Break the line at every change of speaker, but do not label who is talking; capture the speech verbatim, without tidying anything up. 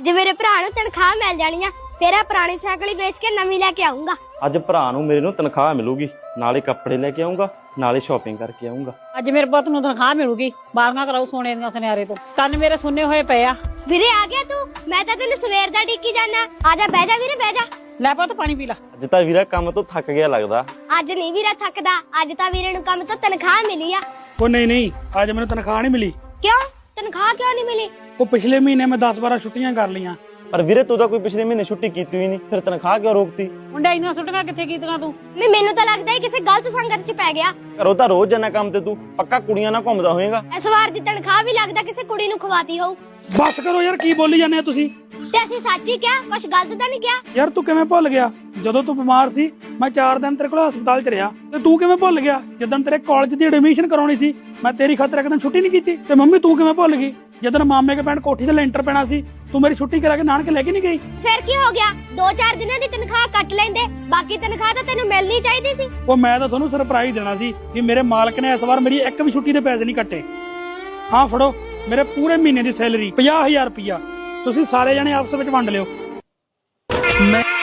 ਅੱਜ ਮੇਰੇ ਭਰਾ ਨੂੰ ਤਨਖਾਹ ਮਿਲ ਜਾਣੀ ਆ, ਫਿਰ ਆ ਪੁਰਾਣੀ ਸਾਈਕਲ ਹੀ ਵੇਚ ਕੇ ਨਵੀਂ ਲੈ ਕੇ ਆਉਂਗਾ।
ਅੱਜ ਭਰਾ ਨੂੰ ਮੇਰੇ ਨੂੰ ਤਨਖਾਹ ਮਿਲੂਗੀ, ਨਾਲੇ ਕੱਪੜੇ ਲੈ ਕੇ ਆਉਂਗਾ, ਨਾਲੇ ਸ਼ਾਪਿੰਗ ਕਰਕੇ ਆਉਂਗਾ।
ਅੱਜ ਮੇਰੇ ਪੁੱਤ ਨੂੰ ਤਨਖਾਹ ਮਿਲੂਗੀ, ਬਾਰੀਆਂ ਕਰਾਉ ਸੋਨੇ ਦੀਆਂ ਸੁਨਿਆਰੇ ਤੋਂ। ਕੰਨ ਮੇਰੇ ਸੁੰਨੇ ਹੋਏ ਪਏ ਆ।
ਵੀਰੇ ਆ ਗਿਆ ਤੂੰ? ਮੈਂ ਤਾਂ ਤੈਨੂੰ ਸਵੇਰ ਦਾ ਡੀਕੀ ਜਾਣਾ। ਆ ਜਾ, ਬਹਿ ਜਾ ਵੀਰੇ, ਬਹਿ ਜਾ।
ਲੈ ਪੁੱਤ ਪਾਣੀ ਪੀ ਲੈ।
ਅੱਜ ਤਾਂ ਵੀਰਾ ਕੰਮ ਤੋਂ ਥੱਕ ਗਿਆ ਲੱਗਦਾ।
ਅੱਜ ਨਹੀਂ ਵੀਰਾ ਥੱਕਦਾ, ਅੱਜ ਤਾਂ ਵੀਰੇ ਨੂੰ ਕੰਮ ਤੋਂ ਤਨਖਾਹ ਮਿਲੀ ਆ।
ਉਹ ਨਹੀਂ ਨਹੀਂ, ਅੱਜ ਮੈਨੂੰ ਤਨਖਾਹ ਨਹੀਂ ਮਿਲੀ।
ਕਿਉਂ? ਤਨਖਾਹ ਕਿਉਂ ਨਹੀਂ ਮਿਲੀ?
ਉਹ ਪਿਛਲੇ ਮਹੀਨੇ ਮੈਂ ਦਸ ਬਾਰਾਂ ਛੁੱਟੀਆਂ ਕਰ ਲਈਆਂ।
ਪਰ ਵੀਰੇ ਤੂੰ ਤਾਂ ਕੋਈ ਪਿਛਲੇ ਮਹੀਨੇ ਛੁੱਟੀ ਕੀਤੀ ਹੋਈ ਨਹੀਂ, ਫਿਰ ਤਨਖਾਹ ਕਿਉਂ ਰੋਕਤੀ?
ਮੁੰਡੇ ਇੰਨੀਆਂ ਸੁੱਟੀਆਂ ਕਿੱਥੇ ਕੀਤੀਆਂ ਤੂੰ?
ਮੈਂ ਮੈਨੂੰ ਤਾਂ ਲੱਗਦਾ ਹੀ ਕਿਸੇ ਗਲਤ ਸੰਗਤ 'ਚ ਪੈ ਗਿਆ।
ਘਰੋਂ ਤਾਂ ਰੋਜ਼ ਜਾਣਾ ਕੰਮ ਤੇ, ਤੂੰ ਪੱਕਾ ਕੁੜੀਆਂ ਨਾਲ ਘੁੰਮਦਾ ਹੋਏਗਾ।
ਇਸ ਵਾਰ ਦੀ ਤਨਖਾਹ ਵੀ ਲੱਗਦਾ ਕਿਸੇ ਕੁੜੀ ਨੂੰ ਖਵਾਤੀ ਹੋਊ।
ਬਸ ਕਰੋ ਯਾਰ, ਕੀ ਬੋਲੀ ਜਾਂਦੇ ਆ ਤੁਸੀਂ?
ਤੇ ਅਸੀਂ ਸੱਚ ਹੀ ਕਿਹਾ, ਕੁਝ ਗਲਤ ਤਾਂ ਨਹੀਂ ਕਿਹਾ।
ਯਾਰ ਤੂੰ ਕਿਵੇਂ ਭੁੱਲ ਗਿਆ? ਜਦੋਂ ਤੂੰ ਬਿਮਾਰ ਸੀ ਮੈਂ ਚਾਰ ਦਿਨ ਤੇਰੇ ਕੋਲ ਹਸਪਤਾਲ 'ਚ ਰਿਹਾ, ਤੇ ਤੂੰ ਕਿਵੇਂ ਭੁੱਲ ਗਿਆ? ਜਦੋਂ ਤੇਰੇ ਕਾਲਜ ਦੀ ਐਡਮਿਸ਼ਨ ਕਰਾਉਣੀ ਸੀ ਮੈਂ ਤੇਰੀ ਖਾਤਰ ਇੱਕ ਦਿਨ ਛੁੱਟੀ ਨਹੀਂ ਕੀਤੀ। ਤੇ ਮੰਮੀ ਤੂੰ ਕਿਵੇਂ ਭੁੱਲ ਗਈ? ਜਦੋਂ ਮਾਮੇ ਕੇ ਪਿੰਡ ਕੋਠੀ ਤੇ ਲੈਂਟਰ ਪੈਣਾ ਸੀ, ਤੂੰ ਮੇਰੀ ਛੁੱਟੀ ਕਰਾ ਕੇ ਨਾਨਕੇ ਲੈ ਕੇ ਨਹੀਂ ਗਈ?
ਫਿਰ ਕੀ ਹੋ ਗਿਆ? ਦੋ ਚਾਰ ਦਿਨਾਂ ਦੀ ਤਨਖਾਹ ਕੱਟ ਲੈਂਦੇ, ਬਾਕੀ ਤਨਖਾਹ ਤਾਂ ਤੈਨੂੰ ਮਿਲਣੀ ਚਾਹੀਦੀ ਸੀ।
ਉਹ ਮੈਂ ਤਾਂ ਤੁਹਾਨੂੰ ਸਰਪ੍ਰਾਈਜ਼ ਦੇਣਾ ਸੀ ਕਿ ਮੇਰੇ ਮਾਲਕ ਨੇ ਇਸ ਵਾਰ ਮੇਰੀ ਇੱਕ ਵੀ ਛੁੱਟੀ ਦੇ ਪੈਸੇ ਨਹੀਂ ਕੱਟੇ। ਹਾਂ ਫੜੋ ਮੇਰੇ ਪੂਰੇ ਮਹੀਨੇ ਦੀ ਸੈਲਰੀ ਪੰਜਾਹ ਹਜ਼ਾਰ ਰੁਪਇਆ, ਤੁਸੀਂ ਸਾਰੇ ਜਣੇ ਆਪਸ ਵਿੱਚ ਵੰਡ ਲਿਓ। ਮੈਂ